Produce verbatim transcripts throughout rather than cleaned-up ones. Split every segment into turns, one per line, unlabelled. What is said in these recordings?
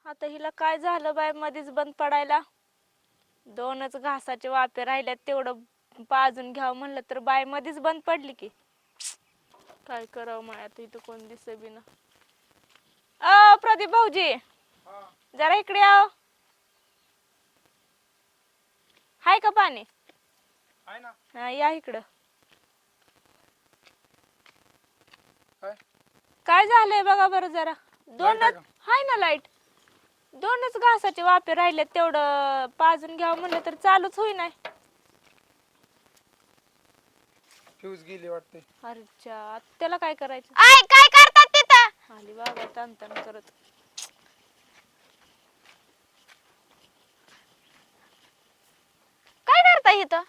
आता हिला काय झालं बाय मध्येच बंद पडायला. दोनच घासाचे वाफे राहिल्यात तेवढं पाजून घ्यावं म्हणलं तर बाय मध्येच बंद पडली की. काय करावं माय आता इथं कोण दिसे बी ना. अ प्रदीप भाऊजी जरा इकडे याव. हाय का पाणी?
आहे ना.
हा या इकडं.
काय
काय झालंय बघा बरं जरा. दोनच हाय ना लाईट. दोनच घासाचे वाफे राहिले तेवढं पाजून घ्यावं म्हणलं तर चालूच होईना.
फ्यूज गेली वाटते.
अरे च्या त्याला काय करायचं?
आय काय करतात तिथं?
आली बाबा तान तान करत.
काय करताय इथं?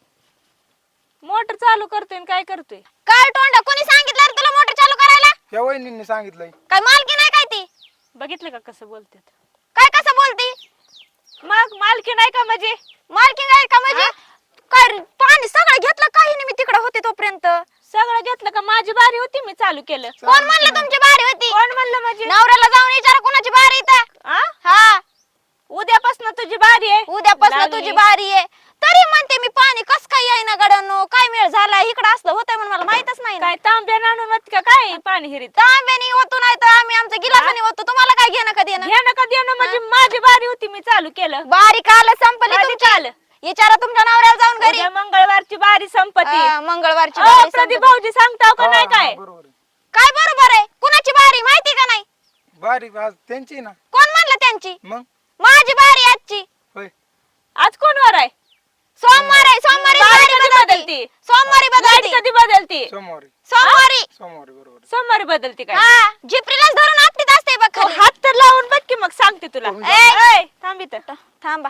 मोटर चालू करतोय आणि काय करतोय?
काय तोंड कोणी सांगितलं रे तुला मोटर चालू करायला?
या वहिनींनी सांगितलंय.
काय मालकी नाही काय ती?
बघितलं का कसं बोलतात?
काय कसं बोलती?
मग मालकी नाही का म्हणजे?
मालकी काय का म्हणजे? काय रे, पाणी सगळं घेतलं काही नाही मी तिकडे होते तोपर्यंत.
सगळं घेतलं का? माझी बारी होती मी चालू केलं.
कोण म्हणलं तुमची बारी होती?
कोण म्हणलं म्हणजे?
नवऱ्याला जाऊन विचारा कोणाची बारी इथं.
आ?
हा
उद्यापासून तुझी बारी आहे.
उद्यापासून
लागली.
तुझी बारी आहे. तरी म्हणते मी पाणी कस काय येईना गड्यांनो, काय मेळ झाला इकडे असलं होतंय म्हणून मला माहितच नाही ना.
काय तांब्या आणून होत का काय पाणी हिरीत?
तांब्याने होतो नाही तर आम्ही आमच्या गिलासाने होतो. तुम्हाला काय घेणं कधी येणं?
घेणं का देणं म्हणजे माझी बारी होती मी चालू केलं.
बारी काल संपली
कधी
तुमची.
काल?
विचारा तुमच्या नवऱ्याला जाऊन घरी.
उद्या मंगळवारची बारी संपत्ती.
हा, मंगळवारची
अ,
बारी
प्रदीप
संपली.
भाऊजी सांगताव का
हा,
नाही
हा,
काय?
बरोबर आहे.
काय बरोबर आहे? कुणाची बारी माहिती का नाही?
बारी आज त्यांची ना.
कोण म्हणलं त्यांची?
मग
माझी बारी आजची.
होय.
आज कोणवार आहे?
सोमवार आहे. सोमवारी
बारी
बारी
कधी
बदलती.
बदलती?
सोमवारी
लाईट
बदलती.
कधी बदलती?
सोमवारी
सोमवारी.
सोमवारी बरोबर आहे.
सोमवारी बदलती काय?
हा झिपरीलाच धरून आपटीत असते बघ
तू
खाली.
हात तर लावून बघ की मग सांगते तुला.
हो,
ए,
ए, थांब इथं.
थांबा.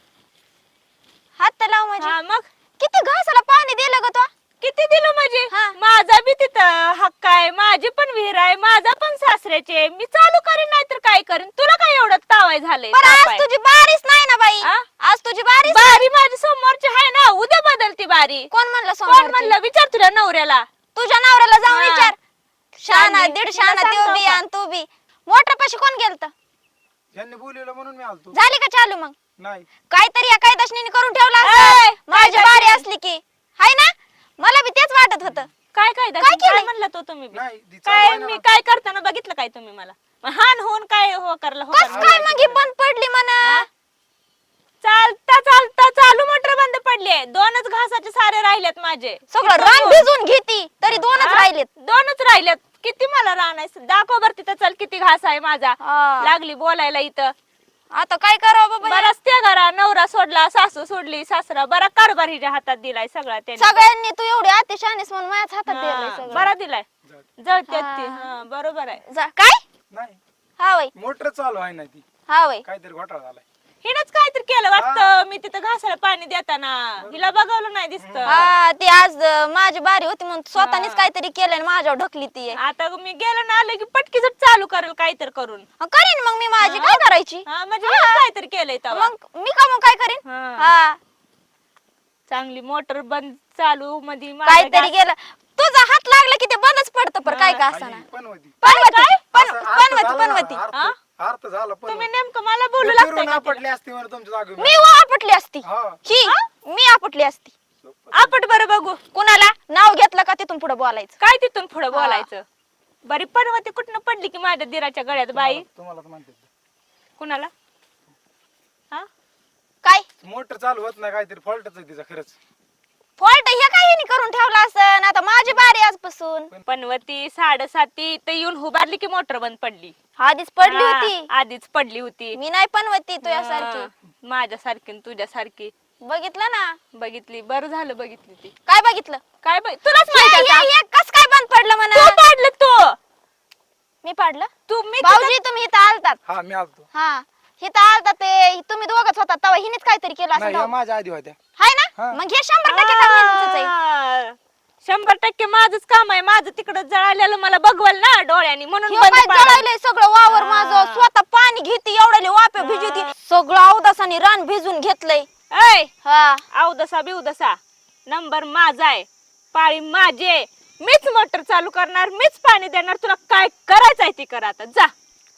हात तर लाव माझी.
हा मग
किती घासाला पाणी दिलं ग तो?
किती दिलं म्हणजे?
हा.
माझा बी तिथं हक्क आहे. माझी पण विहीर आहे. माझा पण सासऱ्याचे. मी चालू करीन नाही तर काय करीन? तुला काय एवढं तावाय झालंय?
पण
ताप आहे.
आज तुझी बारीच नाही ना बाई.
आ?
आज तुझी बारीच.
बारी माझी सोमवारची आहे ना. उद्या बदलती बारी.
कोण म्हणलं
कोण
सोमवारची?
म्हणलं? विचार तुझ्या नवऱ्याला.
तुझ्या नवऱ्याला जाऊन
हा.
विचार. शाना
शानी.
दीड
तिला
शाना
सांगतो
तो बी
का?
आणि तू बी. मोटर पाशी कोण गेलत?
यांनी बोलवलं म्हणून मी आलतो.
झाली का चालू मग?
नाही
काहीतरी या कायदाशनीने करून ठेवला
ए,
असतं. माझी
कायदाशनी.
बारी असली की हाय ना. मला बी तेच वाटत होतं.
काय काय दाखव?
काय केलंय?
काय म्हणलं तो तुम्ही बी?
नाही ती
काय
चालू आहे
मी
ना.
काय करताना बघितलं काय तुम्ही मला? मग हान होऊन काय हो करलं हो
कस
करलं?
काय मग ही बंद पडली म्हणा?
चालता चालता चालू मोटर बंद पडली. दोनच घासाचे सारे राहिलेत माझे.
सगळं
किती
रान
दोन?
भिजून घेती तरी दोनच
हा?
राहिलेत.
दोनच राहिलेत. किती मला रान आहे? दाखव बर तिथं चल किती घास आहे माझा.
हा.
लागली बोलायला इथं.
आता काय करावं बाबा हे?
बराच त्या घरा नवरा सोडला, सासू सोडली, सासरा बरा कारभार हिच्या हातात दिलाय सगळा त्याने.
सगळ्यांनी तू एवढी अतिशहाणीस म्हणून माझ्याच हातात दिलंय
हा,
सगळं.
बरा दिलाय.
जाऊ.
जळत्यात ती. हा, बरोबर आहे.
जा- काय?
नाही
हा वय
मोटर चालू आहे ना ती.
हा वय
काहीतरी घोटाळा झालाय.
हिनच काहीतरी केलं वाटतं. मी तिथं घासाला पाणी देताना हिला बघवलं नाही दिसत.
हा ती आज अं, माझी बारी होती म्हणून स्वतःनीच काहीतरी केलं आणि माझ्यावर ढकली ती
आता मी गेलं ना आलं की पटकी जर चालू करेल काहीतरी करून.
करीन मग मी माझी
हा.
काय करायची.
हा म्हणजे हिनंच काहीतरी केलंय तेव्हा.
मग मी का मग काय करीन.
हा.
हा
चांगली मोटर बंद चालू मध्ये
काहीतरी गेलं तुझा हात लागला की ते बंदच पडतं पर काय का
आई
असं
पण होती.
पनवती पण-
असं अर्थ
पनवती
झाला ना,
पनवती
अर्थ-
हा?
अर्थ झाला पण
तुम्ही नेमकं मला बोलू लागताय
फिरून
का तिला?
आपटली असती मला तुमच्या जागेवर.
मी व आपटली असती
हा.
ही मी आपटली असती.
आपट बरं बघू.
कुणाला नाव घेतलं का तिथून पुढे बोलायचं.
काय तिथून पुढे बोलायचं? बरी पनवती कुठनं पडली की माझ्या दिराच्या गळ्यात बाई?
तुम्हाला तर म्हणते
कुणाला? हा
काय
मोटर चालू होत नाही काहीतरी फॉल्टच आहे तिचा खरंच.
फॉल्ट हे काय हिने करून ठेवला असं आता माझी बारी आजपासून.
पनवती साडेसाती ते येऊन उभारली की मोटर बंद पडली.
आधीच पडली
हा,
होती.
आधीच पडली होती.
मी नाही पनवती तुझ्यासारखी.
माझ्यासारखी तुझ्यासारखी
बघितलं ना.
बघितली. बरं झालं बघितली ती.
काय बघितलं.
काय बघ तुलाच माहित आहे का?
कस काय बंद पडलं
तू
म्हणा.
पाडलं तू
मी पाडलं.
तू मी
भाऊजी तुम्ही इथं आलतात.
हा मी आलतो.
हा इथं आलतात ते तुम्ही दोघच होता तेव्हा हिनेच काहीतरी केलं असं
नाही या
तेव्हा.
माझ्या आधी होत्या.
हाय ना
हा.
मग हे शंभर टक्के काम यांचंच आहे.
आ, शंभर टक्के माझंच काम आहे. माझं तिकडं जळालेलं मला बघवल ना डोळ्यानी म्हणून
ह्यो
बंद
काय
पाडायला.
जळायलंय सगळं वावर
हा.
माझं स्वतः पाणी घेते एवढ्याले वाप्या भिजवती सगळं अवदासाने रान भिजून घेतलंय.
ऐ
हा
अवदसा बिवदसा नंबर माझा आहे. पाळी माझे. मीच मोटर चालू करणार. मीच पाणी देणार. तुला काय करायचंय ती कर आता जा.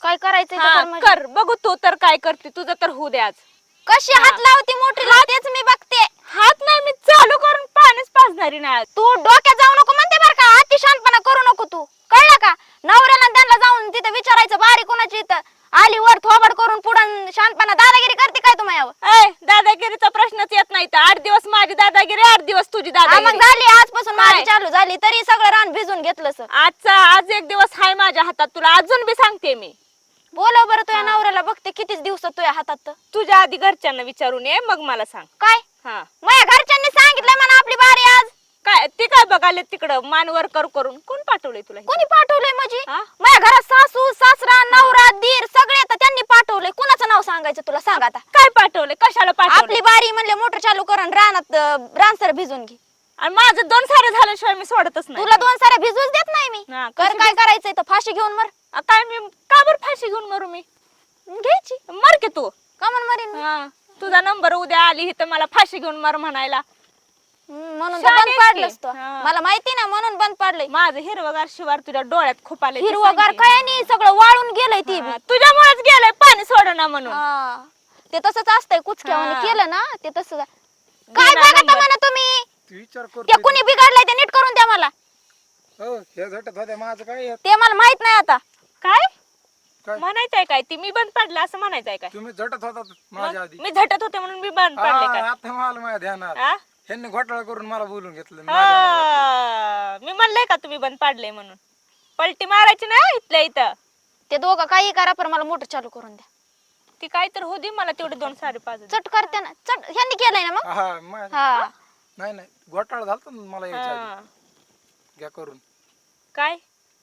काय करायचंय ते
हा,
कर म्हणजे.
कर बघू तू तर काय करते तुझं तर होऊ दे आज.
कशी हात लावती मोठीला तेच मी बघते.
हात नाही मी चालू करून पाणीच पाजणारी नाही आज.
तू डोक्यात जाऊ नको म्हणते बरं का, अति शांतपणा करू नको तू, कळलं का? नवऱ्याला आणि त्यांना जाऊन तिथे विचारायचं बारी कोणाची इथं आली वर थोबड करून पुढं शांतपणा दादागिरी करते काय तुम्ही यावर?
ए दादागिरीचा प्रश्नच येत नाही तर आठ दिवस माझी दादागिरी आठ दिवस तुझी
हा, मग
दादागिरी.
झाली आजपासून
काय?
माझी चालू झाली तरी सगळं रान भिजून घेतलं सर.
आजचा आज एक दिवस हाय माझ्या हातात तुला अजून बी सांगते मी.
बोलव बरं तुझ्या नवऱ्याला, बघते कितीच दिवसात तुझ्या हातात तर.
तुझ्या आधी घरच्यांना विचारून ये मग मला सांग.
काय
हा
माझ्या घरच्यांनी सांगितलं म्हणा आपली बारी आज.
काय ते काय बघाले तिकडं मानवर कर करून कोण पाठवलंय तुला हे?
कोणी पाठवलंय म्हणजे?
हा?
माझ्या घरात सासू सासरा नवरा दीर सगळे आता त्यांनी पाठवलंय. कुणाचं नाव सांगायचं तुला सांग आता?
काय पाठवलंय कशाला पाठवलंय?
आपली बारी म्हणले मोटर चालू करून रानात अं, रानसर भिजून घे.
आणि माझं दोन सारे झाल्याशिवाय मी सोडतच नाही.
तुला दोन साऱ्या भिजूच देत नाही मी.
हा,
कर
कशी
काय करायचंय तर फाशी घेऊन मर.
आ, काय मी का बरं फाशी घेऊन मरू मी?
घ्यायची
मर की तू.
का म्हण मरीन मी?
हा, तुझा नंबर उद्या आली तर मला फाशी घेऊन मर म्हणायला.
हम्म, म्हणून तर
शान
बंद
आहेस
पाडलंस
की.
तू.
हा.
मला माहिती ना म्हणून बंद पाडलंय.
माझं हिरवगार शिवार तुझ्या डोळ्यात खूप आले
हिरवगार काय नाही सगळं वाळून गेलंय ती बी.
तुझ्यामुळेच गेलंय पाणी सोडना म्हणून.
हा, ते तसंच असतंय कुचक्यावानी
हा.
केलं ना ते तसंच आहे. काय
बिना
बघता
नंबर.
म्हणा तुम्ही?
तू विचार
ते
करतो
कुणी बिघडलंय ते नीट करून द्या मला.
हो हे झटत होत्या माझं काय आहे?
ते मला माहित नाही आता.
काय
काय
म्हणायचंय काय ती मी बंद पडलं असं म्हणायचंय काय?
तुम्ही झटत होता माझ्या आधी.
मी झटत होते म्हणून मी बंद पडले काय?
हा, आता मला माझ्या ध्यानात
हा?
ह्यांनी घोटाळा करून मला बोलून घेतलं माझ्या नावावर.
हा, मी म्हणलंय का तुम्ही बंद पाडले म्हणून? पलटी मारायची ना इथल्या इथं.
ते दोघं काही करा पण मला मोटर चालू करून द्या.
ती काय तर होती मला तेवढे दोन साडे पाच
चट करते ना चट. ह्यांनी केलंय ना मग?
हा माझ्या-
हा
नाही नाही घोटाळा झालता ना मला यायच्या आधी.
हा.
घ्या करून
काय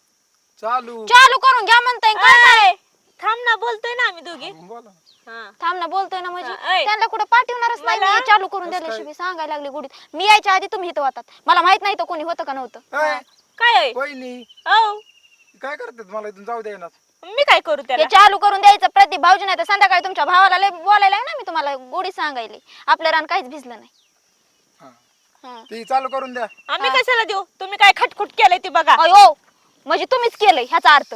चालू
चालू करून घ्या म्हणताय काय?
काय थांब ना बोलतोय ना आम्ही दोघी.
बोला
हा.
थांब ना बोलतोय ना म्हणजे
हा, ऐ.
त्यांना कुठे पाठवणारच नाही
मला-
मी. चालू करून
कसं
दिल्याशिवाय सांगायला लागली गुडीत. मी यायच्या आधी तुम्ही इथं होतात. मला माहित नाही तर कोणी होतं का नव्हतं.
ए,
काय आहे?
वहिनी
औ,
काय करतात मला इथून जाऊ द्या ना.
मी काय करू त्याला?
हे चालू करून द्यायचं प्रदीप भाऊजी नाही तर संध्याकाळी तुमच्या भावाला लय बोलायला आहे ना मी तुम्हाला गोडी सांगायली. आपलं रान काहीच भिजलं नाही.
हा
हा.
ती चालू करून द्या.
आम्ही कशाला देऊ? तुम्ही काय खटखुट केलंय ते बघा.
अयो म्हणजे तुम्हीच केलंय ह्याचा अर्थ.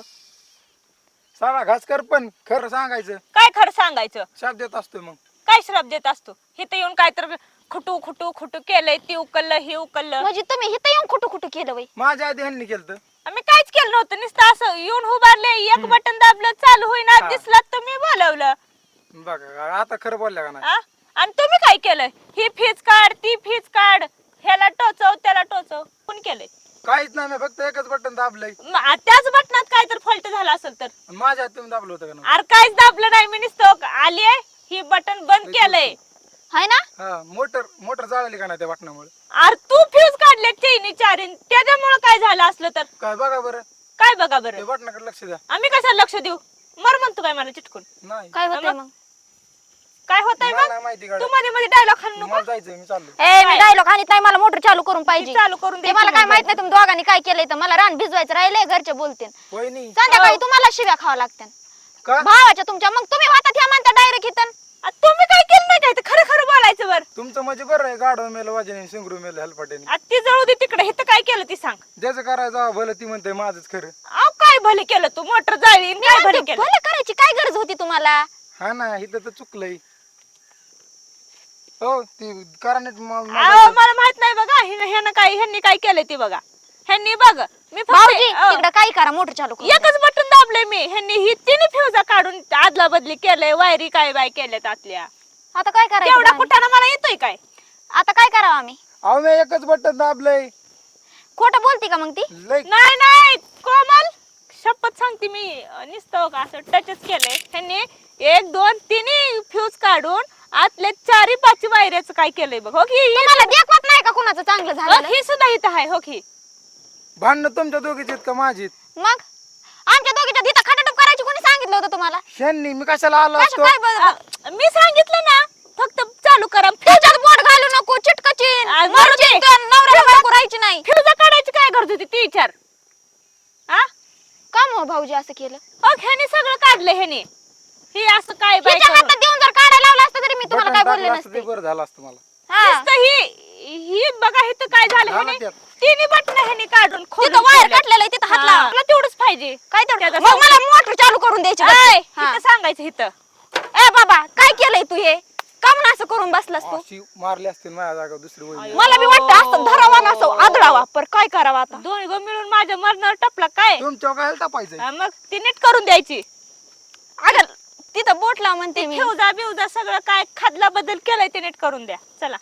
सारा घास कर पण खरं सांगायचं.
काय खरं सांगायचं?
शाप देत असतो मग.
काय श्राप देत असतो? इथं येऊन काय तर खुटू खुटू खुटू केलंय ती उकललं हे उकललं.
म्हणजे तुम्ही इथं येऊन कुठं कुठं केलं बाई?
माझ्या आधी ह्यांनी केलं.
आम्ही काहीच केलं नव्हतं नुसतं असं येऊन उभारले एक बटन दाबलं चालू होईना
हा.
दिसलं तर मी बोलवलं.
बघा आता खरं बोलल्या का नाही.
आ? आणि तुम्ही काय केलंय? ही फीज काढ ती फीज काढ ह्याला टोचव त्याला टोचव कोण केलंय?
काहीच नाही मी फक्त एकच बटन दाबलंय.
म- आ- त्याच बटनात काय तर फॉल्ट झाला असेल तर?
आणि माझ्या हात तुम्ही दाबलं होतं का नाही?
अरे काहीच दाबलं नाही मी नुसतं आली ही बटन बंद केलंय.
हाय ना?
हा मोटर मोटर जाळली का नाही त्या बटनामुळे.
अरे तू फ्यूज काढले चैनी चारीन त्याच्यामुळे काय झालं असलं तर?
काय बघा बरं
काय बघा
ते
बरं?
बटनाकडे लक्ष द्या.
आम्ही कशाला लक्ष देऊ? मर म्हणतो काय मला चिटकून?
नाही
काय होतंय
मग?
मग?
काय होतंय
मला
मग?
नाही माहिती
तू
गाड्या.
मध्ये मध्ये डायलॉग खाणू नको.
मला जायचंय मी चाललो.
ए मी
काय?
डायलॉग आणत नाही. मला मोटर चालू करून पाहिजे.
ती चालू करून
ते
द्यायची
मला काय
मग
माहित नाही तुम्ही दोघांनी काय केलंय तर मला रान भिजवायचं राहिलंय. घरचे बोलते
वहिनी
संध्याकाळी
हो.
तुम्हाला शिव्या खावा लागत्या
का
भावाच्या तुमच्या. मग तुम्ही वाटत ह्या म्हणता डायरेक्ट इथं.
आ, तुम्ही काय केलं नाही काय ते खरं खरं बोलायचं बर.
तुमचं म्हणजे बरं आहे. गाडव मेलं वाजने सिंगरू मेलं हेलपाट्याने.
आ, ती जळू दे तिकडे इथं काय केलं ती सांग.
ज्याचं करायचं भलं ती म्हणते माझंच खरं.
अहो काय भले केलं तू मोटर जाळी आणि काय भले केलं?
भलं करायची काय गरज होती तुम्हाला?
हा ना इथं तर चुकलंय. हो ती करानेट
अहो मला माहित नाही बघा हिनं- ह्यानं काय ह्यांनी काय केलंय ती बघा. ह्यांनी बघ मी फक्त
भाऊजी
अहो,
तिकडे काय करा मोटर चालू करून द्या.
एकच बटन दाबले मी ह्यांनी ही तिने फ्युजा काढून आदला बदली केलंय वायरी काय बाय केल्यात आतल्या.
आता काय करायचं
एवढा
आम्ही?
कुठाना मला येतोय काय?
आता काय करावं आम्ही?
अहो मी एकच बटन दाबलंय.
खोटं बोलती का मग ती?
लय
नाही नाही कोमल शपथ सांगते मी नुसतं का असं टचच केलंय ह्यांनी. एक दोन तिन्ही फ्यूज काढून आतले चारी पाच वायऱ्याचं काय केलंय बघ. हो की ही-
तुम्हाला देखवत नाही का कुणाचं चांगलं
हो
झालं?
ही सुद्धा इथं आहे. हो की
भांडणं तुमच्या दोघीची आहेत का माझी?
मग आमच्या दोघीच्या तिथं खटाटप करायची कोणी सांगितलं होतं तुम्हाला?
ह्यांनी मी कशाला आलो
कसं
असतो.
काय बरं?
अ, मी सांगितलं ना फक्त चालू करा.
त्याच्यात बोट घालू नको चिटकचिन
आ, मरू
मरचिन
दे.
तर नवऱ्याला बायको राहायची नाही.
फ्यूजा काढायची काय गरज होती ती विचार. हा
का मग भाऊजी असं केलं?
हो ह्याने सगळं काढलं ह्याने. हे असं काय बाय
तिच्या
करून.
हातात देऊन जर काढायला लावलं असतं तरी मी तुम्हाला
बटन
काय बोलले
टाकलं असतं
नसते.
ते बरं झालं असतं मला.
हा.
नुसतं ही ही बघा इथं काय झालं
झालं
ह्याने.
त्यात.
तिन्ही बटन ह्यानी काढून खोलून
तिथं वायर
ठेवल्यात.
काढलेलं आहे, तिथं हात
हा,
लावा.
तुला तेवढंच पाहिजे
काय तेवढं
त्याचा
मग मला मोटर चालू करून द्यायची
ऐ,
गपचूप. हा.
इथं सांगायचं इथं
ए बाबा काय केलंय तू हे का म्हणून असं करून बसलास तू
अशी मारली असतील माझ्या जागा दुसरी वहिनी.
मला बी वाटतं असं धरावा ना असं आदळावा पर काय करावं आता
दोन्ही गो मिळून माझ्या मरणावर टपला काय
तुमच्या काय टापायचं
हा, मग ती नीट करून द्यायची
अगं तिथं बोट लाव म्हणते मी
ठेवजा बिवजा सगळं काय खादला बदल केलाय ते नीट करून द्या चला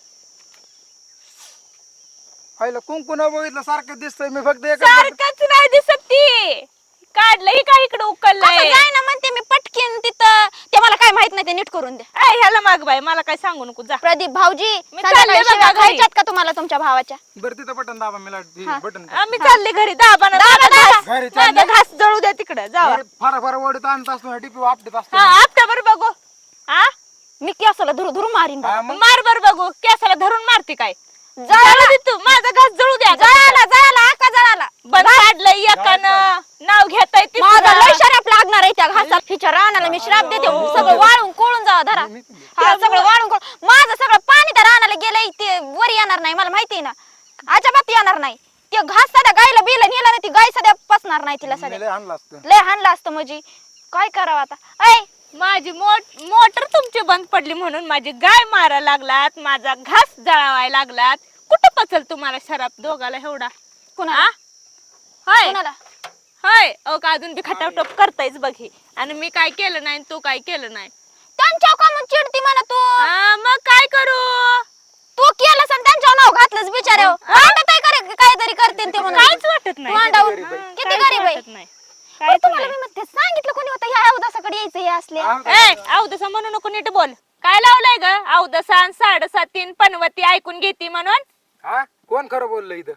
आईला कुंकुना बघितलं सारखं दिसतंय मी फक्त एक
सारखंच नाही दिसत ती काढलंय का इकडे उकललंय
जाय ना म्हणते मी पटकीन तिथं ते मला काय माहित नाही ते नीट करून द्या
ऐ, ह्याला माग बाई मला काय सांगू नको जा
प्रदीप भाऊजी
मी
संध्याकाळी
चालले बघा
शिव्या
घरी.
खायच्यात का तुम्हाला तुमच्या भावाच्या
बरं तिथं बटन दाबा मला बटन
आम्ही चालले घरी दाबा ना
दाबा,
दाबा,
दाबा.
घास.
घरी
माझा
चालले?
घास जळू द्या तिकडे जावा
फार फार ओढत आणत असतो टिपी वापटत असतो
हा आपट्या बर बघू हा
मी केसाला धुरू धुरू मारीन बघा.
हा, मग
मार बर बघू केसाला धरून मारते काय
जळाला.
जळू दे तू माझा घास जळू द्या
जळाला जळाला आका जळाला
बंद काढलंय एकानं नाव घेताय ते
माझा लय शराप लागणार आहे त्या घासाला हिच्या रानाला मी श्राप देते सगळं वाळून कोळून जावा धरा
मी पण देते.
हा सगळं वाळून कोळून माझं सगळं पाणी त्या रानाला गेलंय ते वर येणार नाही मला माहिती आहे ना अजिबात येणार नाही ते घास सध्या गायला बिला नेला नाही ती गाय सध्या पसणार नाही तिला
मी
सध्या
लय आणलं असतं
लय हाणलं असतं म्हणजे काय करावं आता ऐ
माझी मोट मोटर तुमची बंद पडली म्हणून माझी गाय मारा लागलात माझा घास जळावाय लागलात कुठं पचल तुम्हाला शराब दोघाला एवढा
कुणाला
हा? होय
कुणाला
होय अहो का अजून बी खटावटप करतायच बघी आणि मी काय केलं नाही आणि तू काय केलं नाही
त्यांच्या का मग चिडती म्हणा तू
हा, मग काय करू
तू केलंस आणि त्यांच्यावर नाव घातलंस बिचारे वाटत आहे करे काहीतरी करते ते म्हणून
काहीच वाटत नाही
तोंडावर
किती गरीब आहे.
किती
काहीच
गरीब आहे
वाटत नाही
पण
काहीच
तुम्हाला
नाही
मी म्हणते सांगितलं कोणी होतं ह्या अवदासाकडे यायचं हे असले
आ,
ए अवदसा म्हणू नको नीट बोल काय लावलंय ग अवदसा आणि साडेसातीन पनवती ऐकून घेती म्हणून
हा कोण खरं बोललं इथं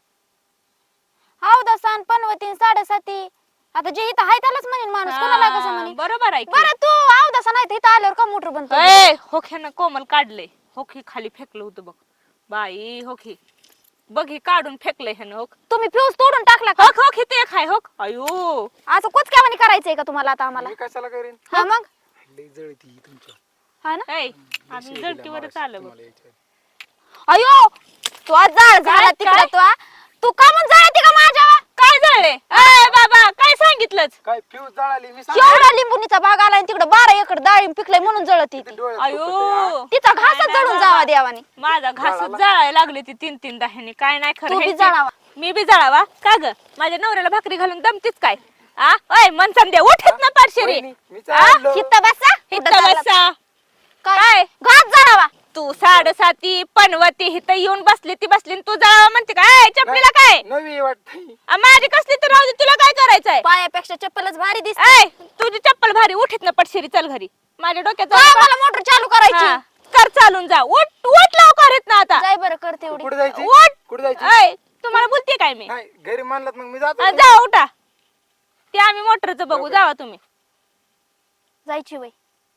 अवदासा आणि पनवतीन साडेसाती आता जे इथं आहे त्यालाच म्हणेन माणूस कोणाला कसं
हा,
म्हणेन
बरोबर आहे की.
बरं तू अवदासा नाही तर इथं आल्यावर का मोटर बनतो
ए होख्यानं कोमल काढले होखी खाली फेकलं होतं बघ बाई होखी बघ ही काढून फेकलंय ह्यानं होक
तुम्ही फ्यूज तोडून टाकला का
होक होक इथे खाय होक अयो
असं कुचक्यावानी करायचंय का तुम्हाला आता आम्हाला
मी कशाला करेन
हा मग
लय जळती तुमच्या
हा ना
ऐ आम्ही जळतीवरच आलं बघ
तुम्हाला यायचं.
अयो तू आज जाळ झाला
काय?
तिकडे तू आ? तू का म्हणून जळती का माझ्या
काय झाले ए बाबा काय सांगितलंच
काय फ्यूज जळाली मी
एवढा लिंबुनीचा बाग आलाय तिकडे बारा एकर डाळिंब पिकलंय म्हणून जळती ती
अयो
तिचा घासच
नाही,
जळून
नाही,
जावा
बाबा.
देवानी
माझा घास जळायला लागली ती तीन तीन दह्यानी काय नाही खरं
तू बी
ह्याची-
जळावा.
मी बी जळावा का ग माझ्या नवऱ्याला भाकरी घालून दमतीच काय आ ओय मन संध्या उठत ना पारशेरी
वहिनी, मी
आ?
चाललो.
हित बसा हित
इथं
चालला.
बसा
काय घास जळावा
तू साडेसाती पनवती इथं येऊन बसली ती बसली आणि तू जळावा म्हणते काय चपलीला काय
नवी वाटतंय
आ, माझी कसली तर राहू दे तुला काय करायचंय
पायापेक्षा चप्पलच भारी दिसत
ऐ तुझी चप्पल भारी उठीत ना पटशिरी चल घरी माझ्या डोक्यात जाऊ नका.
मला मोटर चालू करायची
हा, कर चालून जा उठ उठ लवकर येत ना आता
जाय बरं करते एवढी
कुठे जायची
उठ
कुठे जायची
ऐ तुम्हाला बोलते काय मी
नाही घरी मानलात मग मी जातो
आ, जा उठा ते आम्ही मोटरचं बघू जावा तुम्ही
जायची वय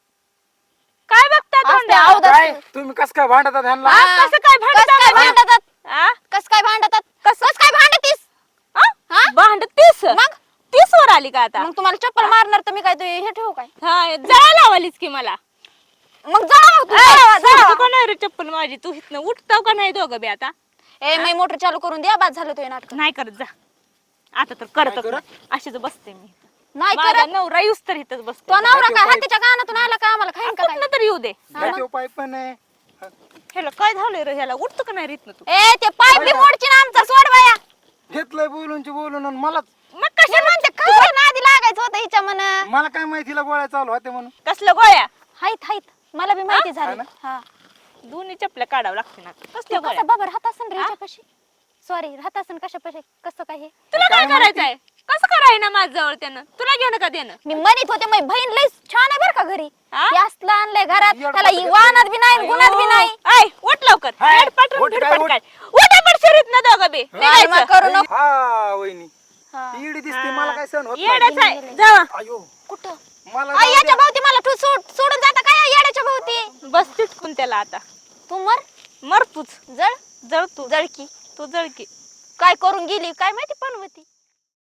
काय बघता
असते
तोंडावर?
अवदास.
काय तुम्ही कस काय भांडतात ह्यांना
आ, कसं काय
कस काय
भांडता
भांडतात
आ?
कस काय भांडतात
कसं?
कस काय भांडतीस
आ?
हा?
भांडतीस
मग?
तीस वर आली का आता
मग तुम्हाला चप्पल मारणार तर मी काय तू हे ठेवू काय
हा जळा लावालीस की मला
मग जावा तू,
ऐ,
जावा,
सोडतो
जावा.
का नाही रे चप्पल माझी तू इथनं उठताव का नाही दोघं बी आता
ए मी मोटर चालू करून द्या बाद झालं तुझे नाटक
नाही करत जा आता तर करतच
करत?
नाही अशीच बसते मी
नाही
माझा
करत
नवरा युस तर इथंच बसतो
तो नवरा काय
पाय-
हातीच्या कानातून आला का आम्हाला खाईन का काय
कुठनं तर येऊ दे
त्याचे उपाय पण आहे
ह्याला काय झालंय रे ह्याला उठतो का नाही रे इथनं तू
ए ते पाईप बी मोडची ना आमचा सोड बाया
घेतलंय बोलून बोलून आणि मलाच
मग कशा
हे म्हणते काय नादी लागायचं होतं हिच्या मन
मला काय माहितीला गोळ्या चालू होते म्हणून
कसलं गोळ्या
हाईत हाईत मला बी माहिती
हा
झाली
ना?
हा
दोन्ही चपल्या काढावं लागते ना कसल्या
तू
गोळ्या
कसं बाबर हात असन रे ह्याच्यापाशी सॉरी राहत असन कशापाशी कसं काय हे
तुला काय
काय माहिती?
करायचंय कसं कराय ना माझ जवळ त्यानं तुला घेणं का देणं
मी म्हणत होते माझी बहीण लई छान आहे बरं का घरी
हा?
हे असलं आणलंय घरात
येड
त्याला
पटकन
वाहनात बी नाही गुणात बी नाही
ऐ उठ लवकर
हाय,
हेड पाठवून
उठ
फिर
काय,
पटकाय उठा पडशिरीत ना दोघं बी
आणि मग
निघायचं.
करू नको
हा वहिनी
हा.
ईडी दिसते मला काय सहन होत
येडच
नाही
आहे जावा
अयो
कुठं
मला
आई
जाऊ
याच्या
द्या.
भोवती मला तू सोड सोडून जाता काय या येड्याच्या भोवती
बस तिटकून त्याला आता
तू मर
मर तूच
जळ
जळ तू
जळकी
तू जळ की
काय करून गेली काय माहिती पनवती